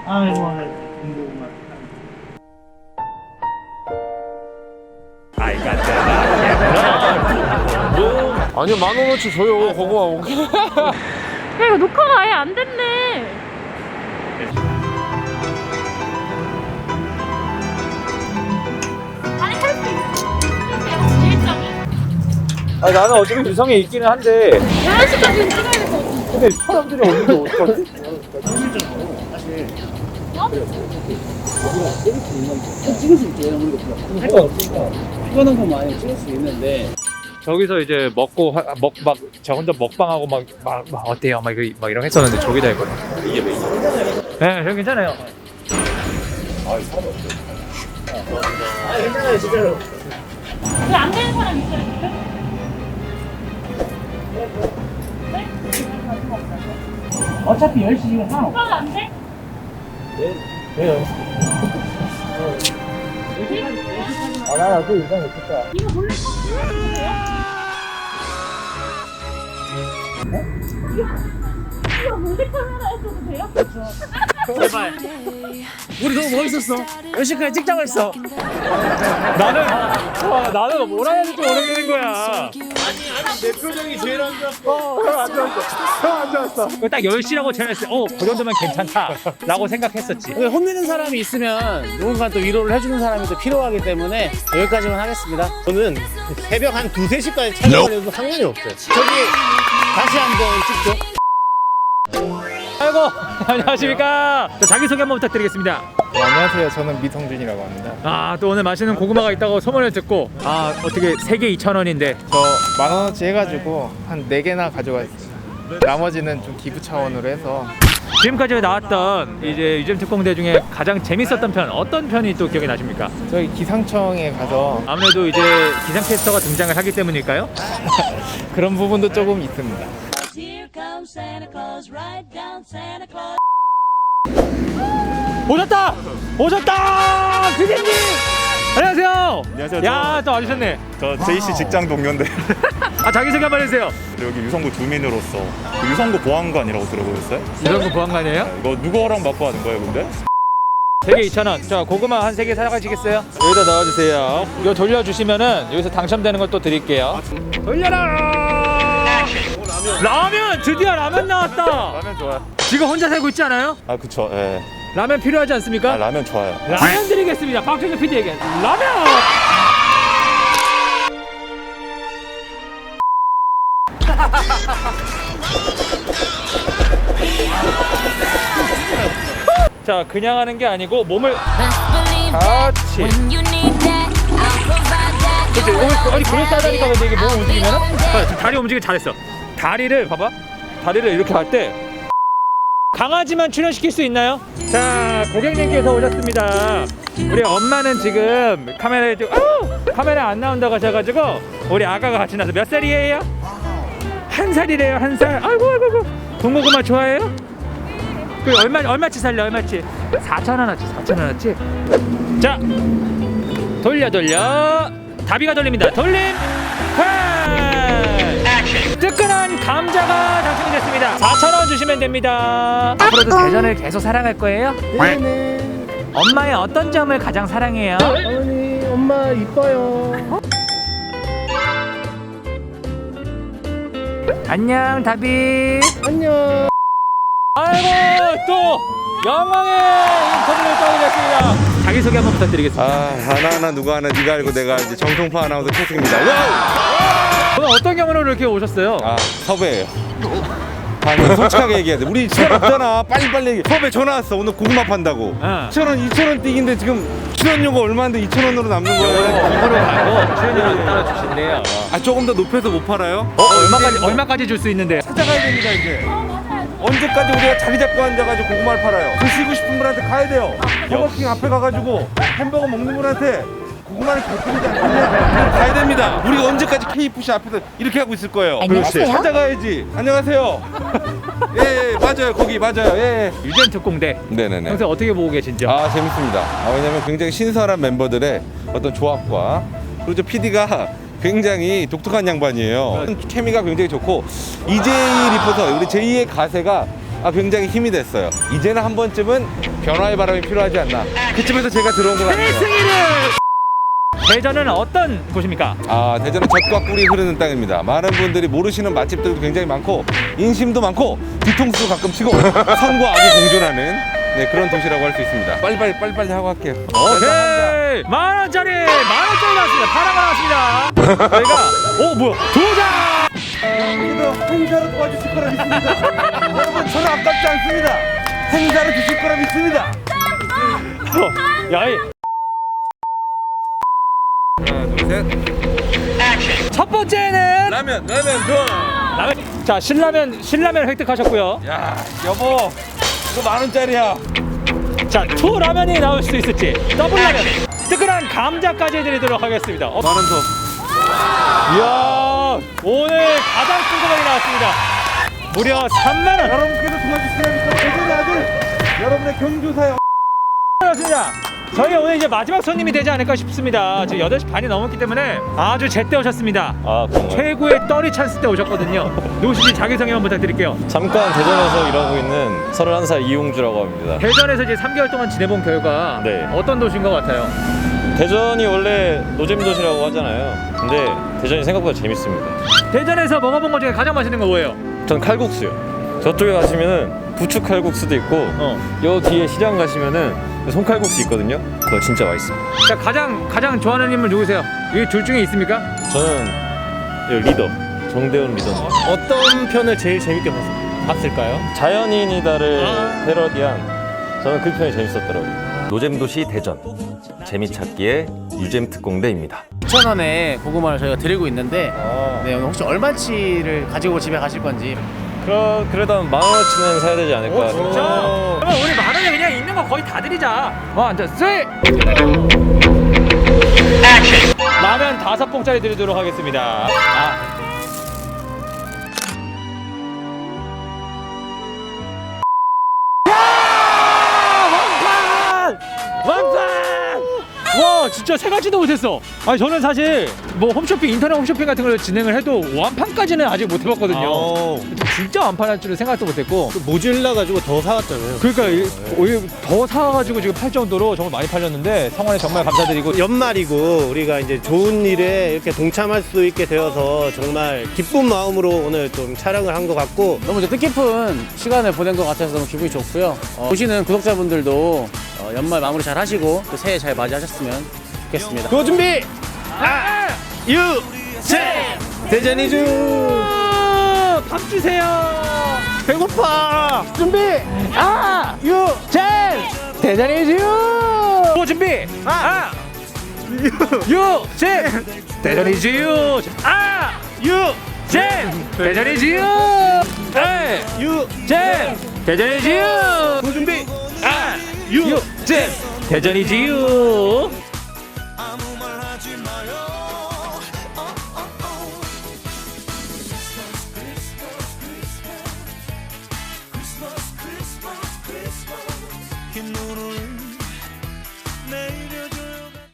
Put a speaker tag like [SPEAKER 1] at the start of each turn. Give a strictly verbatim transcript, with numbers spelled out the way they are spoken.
[SPEAKER 1] 아이고, 궁금한.
[SPEAKER 2] 아이 깜짝아.
[SPEAKER 3] 아니요, 만 원어치 줘요. 고구마 오게.
[SPEAKER 4] 야, 이거 녹화가 아예 안 됐네. 아니, 할 수 있어. 일정이.
[SPEAKER 2] 아 나는 어차피 유성에 있기는 한데
[SPEAKER 4] 열한 시까지는 찍어야 될 것 같아.
[SPEAKER 2] 근데 사람들이 없는데 어떡하지?
[SPEAKER 1] 찍을 수 있죠. 우리가 할거 없으니까 피곤한 거 많이 찍을 수 있는데.
[SPEAKER 2] 저기서 이제 먹고 먹 막 저 혼자 먹방하고 막, 막, 막 어때요? 막, 이거, 막 이런 거 했었는데 저기다 했거든. 이게 메인. 네, 저 괜찮아요.
[SPEAKER 1] 아 괜찮아요 진짜로.
[SPEAKER 4] 왜 안 되는 사람 있어요? 네?
[SPEAKER 1] 어차피 열 시간 하나.
[SPEAKER 4] 그건 안 돼?
[SPEAKER 1] 왜요? 아 나는 그 이상 못했다.
[SPEAKER 4] 이거 몰래 컴퓨터 돼요? 이거 몰래 카메라 해줘도 돼요?
[SPEAKER 1] 제발. 우리 너무 멋있었어. 열 시까지 찍자고 했어.
[SPEAKER 2] 나는 와, 나는 뭐라 해야 될지 모르겠는 거야.
[SPEAKER 3] 내 표정이 제일 안 좋았어.
[SPEAKER 2] 형안 좋았어. 형안 좋았어. 딱 열 시라고 전했을 때, 어, 그 정도면 괜찮다라고 생각했었지.
[SPEAKER 1] 근데 혼내는 사람이 있으면 누군가 또 위로를 해주는 사람이 또 필요하기 때문에 여기까지만 하겠습니다.
[SPEAKER 3] 저는 새벽 한 두세 시까지 촬영을 해도 상관이 없어요.
[SPEAKER 1] 저기 다시 한번 찍죠.
[SPEAKER 2] 아이고, 안녕하십니까. 자, 자기소개 한번 부탁드리겠습니다.
[SPEAKER 5] 네, 안녕하세요. 저는 미성준이라고 합니다.
[SPEAKER 2] 아, 또 오늘 맛있는 고구마가 있다고 소문을 듣고, 아, 어떻게 세 개 이천 원인데.
[SPEAKER 5] 저 만 원어치 해가지고 한 네 개나 가져갔습니다. 나머지는 좀 기부 차원으로 해서.
[SPEAKER 2] 지금까지 나왔던 이제 유잼 특공대 중에 가장 재밌었던 편, 어떤 편이 또 기억이 나십니까?
[SPEAKER 5] 저희 기상청에 가서
[SPEAKER 2] 아무래도 이제 기상캐스터가 등장을 하기 때문일까요?
[SPEAKER 5] 그런 부분도 조금 있습니다.
[SPEAKER 6] Here comes Santa Claus, right down Santa Claus.
[SPEAKER 2] 오셨다! 오셨다! 피디님! 안녕하세요!
[SPEAKER 7] 안녕하세요.
[SPEAKER 2] 야, 또 와주셨네.
[SPEAKER 7] 저 제이씨 직장 동료인데
[SPEAKER 2] 아, 자기소개 한번 해주세요.
[SPEAKER 7] 여기 유성구 주민으로서 그 유성구 보안관이라고 들어보셨어요?
[SPEAKER 2] 유성구 보안관이에요?
[SPEAKER 7] 이거 누구 허락 받고 하는 거예요, 근데?
[SPEAKER 2] 세 개 이천 원. 자, 고구마 한 세 개 사가시겠어요? 여기다 넣어주세요. 이거 돌려주시면은 여기서 당첨되는 걸 또 드릴게요. 돌려라! 라면! 드디어 라면 나왔다!
[SPEAKER 7] 라면 좋아요.
[SPEAKER 2] 지금 혼자 살고 있지 않아요?
[SPEAKER 7] 아, 그쵸. 예.
[SPEAKER 2] 라면 필요하지 않습니까?
[SPEAKER 7] 아, 라면 좋아요.
[SPEAKER 2] 라면 드리겠습니다. 박준규 피디에게 라면! 자, 그냥 하는 게 아니고 몸을 같이. 그렇지. 몸을 아니 그럴싸하다니까. 근데 이게 몸 움직이면은 봐, 지금 다리 움직이 잘했어. 다리를 봐봐. 다리를 이렇게 할 때 강아지만 출연시킬 수 있나요? 자, 고객님께서 오셨습니다. 우리 엄마는 지금 카메라에 좀 아우! 카메라 안 나온다고 하셔가지고 우리 아가가 같이 나서 몇 살이에요? 한 살이래요. 한 살. 아이고 아이고 아이고. 군고구마 좋아해요? 그 얼마 얼마치 살려? 얼마치? 사천 원어치. 사천 원어치. 자, 돌려 돌려. 다비가 돌립니다. 돌림. 뜨끈한 감자가 당첨이 됐습니다. 사천 원 주시면 됩니다. 앞으로도 대전을 계속 사랑할 거예요?
[SPEAKER 1] 네네.
[SPEAKER 2] 엄마의 어떤 점을 가장 사랑해요?
[SPEAKER 1] 어머니, 엄마 이뻐요.
[SPEAKER 2] 안녕, 다비.
[SPEAKER 1] 안녕.
[SPEAKER 2] 아이고, 또 영광의 인터뷰를 떠게 됐습니다. 자기소개 한번 부탁드리겠습니다.
[SPEAKER 3] 아, 하나하나 누가 하나 네가 알고 내가 알지. 정통파 아나운서 최승입니다. 와우!
[SPEAKER 2] 오늘 어떤 경우로 이렇게 오셨어요?
[SPEAKER 3] 아, 섭외예요. 아니, 솔직하게 얘기해야 돼. 우리 시간 없잖아. 빨리빨리 얘기해. 섭외 전화 왔어. 오늘 고구마 판다고.
[SPEAKER 2] 어.
[SPEAKER 3] 이천 원, 이천 원 띠긴데 지금 출연료가 얼마인데 이천 원으로 남는 거예요.
[SPEAKER 2] 이거로 말고 출연료를 따로 주신대요.
[SPEAKER 3] 아, 조금 더 높여서 못 팔아요?
[SPEAKER 2] 어, 얼마까지 얼마까지 줄 수 있는데?
[SPEAKER 3] 찾아가야 됩니다, 이제. 언제까지 우리가 자기 잡고 앉아가지고 고구마를 팔아요? 드시고 싶은 분한테 가야 돼요. 버거킹 앞에 가가지고 햄버거 먹는 분한테 고구마를 베풀지 않겠냐? 가야 됩니다. 우리가 언제까지 케이에프씨 앞에서 이렇게 하고 있을 거예요?
[SPEAKER 2] 안녕하세요.
[SPEAKER 3] 그렇지. 찾아가야지. 안녕하세요. 예, 예, 맞아요. 거기 맞아요. 예, 예.
[SPEAKER 2] 유잼 특공대.
[SPEAKER 3] 네네네.
[SPEAKER 2] 평소에 어떻게 보고 계신지요?
[SPEAKER 3] 아, 재밌습니다. 아, 왜냐면 굉장히 신선한 멤버들의 어떤 조합과 그리고 저 피디가 굉장히 독특한 양반이에요. 케미가 굉장히 좋고 이제이 리포터, 우리 제이의 가세가 아, 굉장히 힘이 됐어요. 이제는 한 번쯤은 변화의 바람이 필요하지 않나. 그쯤에서 제가 들어온 것 같아요.
[SPEAKER 2] 승리를 대전은 어떤 곳입니까?
[SPEAKER 3] 아, 대전은 젖과 꿀이 흐르는 땅입니다. 많은 분들이 모르시는 맛집들도 굉장히 많고 인심도 많고 뒤통수도 가끔 치고 선과 악이 공존하는 네, 그런 도시라고 할 수 있습니다. 빨리빨리 빨리빨리 하고 할게요.
[SPEAKER 2] 오케이 만 원짜리 만 원짜리 나왔습니다. 파라가 나왔습니다. 저희가 오 뭐야 두 장.
[SPEAKER 3] 여러분도 행사로 도와주실 거라 믿습니다. 여러분 저는 아깝지 않습니다. 행사로 주실 거라 믿습니다.
[SPEAKER 2] 야이
[SPEAKER 3] 하나 둘셋.
[SPEAKER 2] 첫 번째는
[SPEAKER 3] 라면 라면 좋아.
[SPEAKER 2] 라면. 자 신라면 신라면 획득하셨고요.
[SPEAKER 3] 야 여보 이거 만 원짜리야.
[SPEAKER 2] 자 투 라면이 나올 수 있을지 더블 라면 뜨끈한 감자까지 해드리도록 하겠습니다. 어,
[SPEAKER 3] 만 원 더.
[SPEAKER 2] 이야 오늘 가장 큰 금액이 나왔습니다. 무려 삼만 원.
[SPEAKER 3] 여러분께서 도와주시라니까 대전의 아들 여러분의 경주사에
[SPEAKER 2] 그렇습니다. 저희 오늘 이제 마지막 손님이 되지 않을까 싶습니다. 지금 여덟 시 반이 넘었기 때문에 아주 제때 오셨습니다.
[SPEAKER 8] 아, 정말.
[SPEAKER 2] 최고의 떨이 찬스 때 오셨거든요. 누구신지 자기소개만 부탁드릴게요.
[SPEAKER 8] 잠깐 대전에서 일하고 있는 서른한 살 이용주라고 합니다.
[SPEAKER 2] 대전에서 이제 삼 개월 동안 지내본 결과
[SPEAKER 8] 네.
[SPEAKER 2] 어떤 도시인 것 같아요?
[SPEAKER 8] 대전이 원래 노잼 도시라고 하잖아요. 근데 대전이 생각보다 재밌습니다.
[SPEAKER 2] 대전에서 먹어본 것 중에 가장 맛있는 거 뭐예요?
[SPEAKER 8] 전 칼국수요. 저쪽에 가시면은 부추 칼국수도 있고
[SPEAKER 2] 어.
[SPEAKER 8] 요 뒤에 시장 가시면은 손칼국수 있거든요. 그거 진짜 맛있습니다.
[SPEAKER 2] 자, 가장 가장 좋아하는 인물 누구세요? 이 둘 중에 있습니까?
[SPEAKER 8] 저는 이 리더 정대훈 리더.
[SPEAKER 1] 어떤 편을 제일 재밌게 봤을까요?
[SPEAKER 8] 자연인이다를
[SPEAKER 2] 아.
[SPEAKER 8] 패러디한 저는 그 편이 재밌었더라고요. 노잼도시 대전 재미찾기의 유잼 특공대입니다.
[SPEAKER 1] 이천 원에 고구마를 저희가 드리고 있는데 네, 오늘 혹시 얼마치를 가지고 집에 가실 건지.
[SPEAKER 8] 그러, 그래도 한 만 원어치는 사야 되지 않을까.
[SPEAKER 2] 오, 진짜? 그러면 우리 만 원에 그냥 있는 거 거의 다 드리자. 원, 투, 쓰리. 라면 다섯 봉짜리 드리도록 하겠습니다. 아. 왕판! 와 진짜 세 가지도 못했어. 아니 저는 사실 뭐 홈쇼핑 인터넷 홈쇼핑 같은 걸 진행을 해도 완판까지는 아직 못 해봤거든요. 진짜 완판할 줄은 생각도 못했고
[SPEAKER 1] 모질라 가지고 더 사왔잖아요.
[SPEAKER 2] 그러니까 이- 오히려 더 사가지고 지금 팔 정도로 정말 많이 팔렸는데 성원에 정말 감사드리고
[SPEAKER 9] 연말이고 우리가 이제 좋은 일에 이렇게 동참할 수 있게 되어서 정말 기쁜 마음으로 오늘 좀 촬영을 한 것 같고
[SPEAKER 1] 너무 이제 뜻깊은 시간을 보낸 것 같아서 너무 기분이 좋고요. 어, 보시는 구독자분들도 어, 연말 마무리 잘 하시고 또 새해 잘 맞이하셨으면 좋겠습니다.
[SPEAKER 9] 그 준비
[SPEAKER 2] 아!
[SPEAKER 9] 유 제 대전이주
[SPEAKER 2] 밥 주세요.
[SPEAKER 9] 배고파
[SPEAKER 2] 준비 아! 유! 젠! 대전이지요! 또 준비 아! 유! 유! 젠! 대전이지요! 아! 유! 젠! 대전이지요! 에! 유! 젠! 대전이지요!
[SPEAKER 9] 그 준비
[SPEAKER 2] 아! 유! 젠! 대전이지요!